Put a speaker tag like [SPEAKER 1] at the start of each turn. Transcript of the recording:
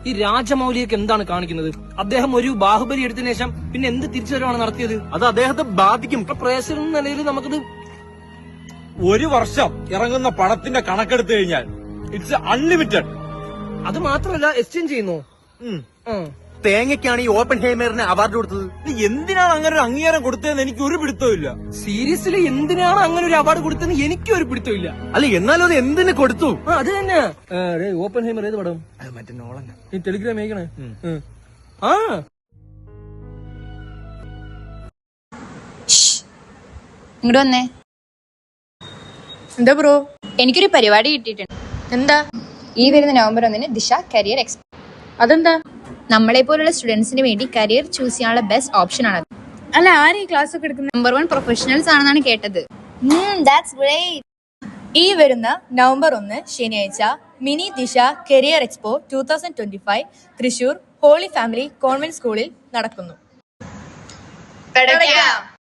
[SPEAKER 1] ഈ രാജമൗലിയൊക്കെ എന്താണ് കാണിക്കുന്നത്? അദ്ദേഹം ഒരു ബാഹുബലി എടുത്തതിനു ശേഷം പിന്നെ എന്ത് തിരിച്ചുവരവാണ് നടത്തിയത്?
[SPEAKER 2] അത് അദ്ദേഹത്തെ ബാധിക്കും.
[SPEAKER 1] പ്രേക്ഷകർ എന്ന നിലയിൽ നമുക്കത്
[SPEAKER 3] ഒരു വർഷം ഇറങ്ങുന്ന പണത്തിന്റെ കണക്കെടുത്തു കഴിഞ്ഞാൽ ഇറ്റ്സ് അൺലിമിറ്റഡ്.
[SPEAKER 1] അത് മാത്രമല്ല എക്സ്ചേഞ്ച് ചെയ്യുന്നു.
[SPEAKER 2] തേങ്ങയ്ക്കാണ് ഈ ഓപ്പൺ ഹേമറിന് അവാർഡ് കൊടുത്തത്.
[SPEAKER 3] എന്തിനാണ് അങ്ങനെ ഒരു അംഗീകാരം കൊടുത്തതെന്ന് എനിക്ക് ഒരു പിടുത്തമില്ല.
[SPEAKER 1] സീരിയസ്ലി എന്തിനാണ് അങ്ങനെ ഒരു അവാർഡ് കൊടുത്തതെന്ന് എനിക്കും ഒരു പിടുത്തമില്ല.
[SPEAKER 2] അല്ല, എന്നാലും അത് എന്തിനു കൊടുത്തു?
[SPEAKER 1] അത് തന്നെ. ഓപ്പൺ ഹേമർ ഏത് പടം?
[SPEAKER 2] മറ്റേ നോളൻ.
[SPEAKER 1] ഈ ടെലിഗ്രാം അയക്കണേ.
[SPEAKER 4] ഇങ്ങോട്ട് വന്നേ.
[SPEAKER 5] എന്താ ബ്രോ?
[SPEAKER 4] എനിക്കൊരു പരിപാടി കിട്ടിയിട്ടുണ്ട്.
[SPEAKER 5] എന്താ?
[SPEAKER 4] ഈ വരുന്ന നവംബർ 1 ദിശ കരിയർ എക്സ്പോ.
[SPEAKER 5] അതെന്താ?
[SPEAKER 4] നമ്മളെ പോലുള്ള സ്റ്റുഡൻസിന് വേണ്ടി കരിയർ ചൂസ് ചെയ്യാനുള്ള ബെസ്റ്റ് ഓപ്ഷൻ ആണ്.
[SPEAKER 5] അല്ല, ആരും ഈ ക്ലാസ് ഒക്കെ എടുക്കുന്നത്?
[SPEAKER 4] നമ്പർ 1 പ്രൊഫഷണൽസ് ആണെന്നാണ് കേട്ടത്.
[SPEAKER 5] ഈ വരുന്ന നവംബർ 1 ശനിയാഴ്ച mini Disha career expo 2025 Thrissur holy family convent സ്കൂളിൽ നടക്കുന്നു.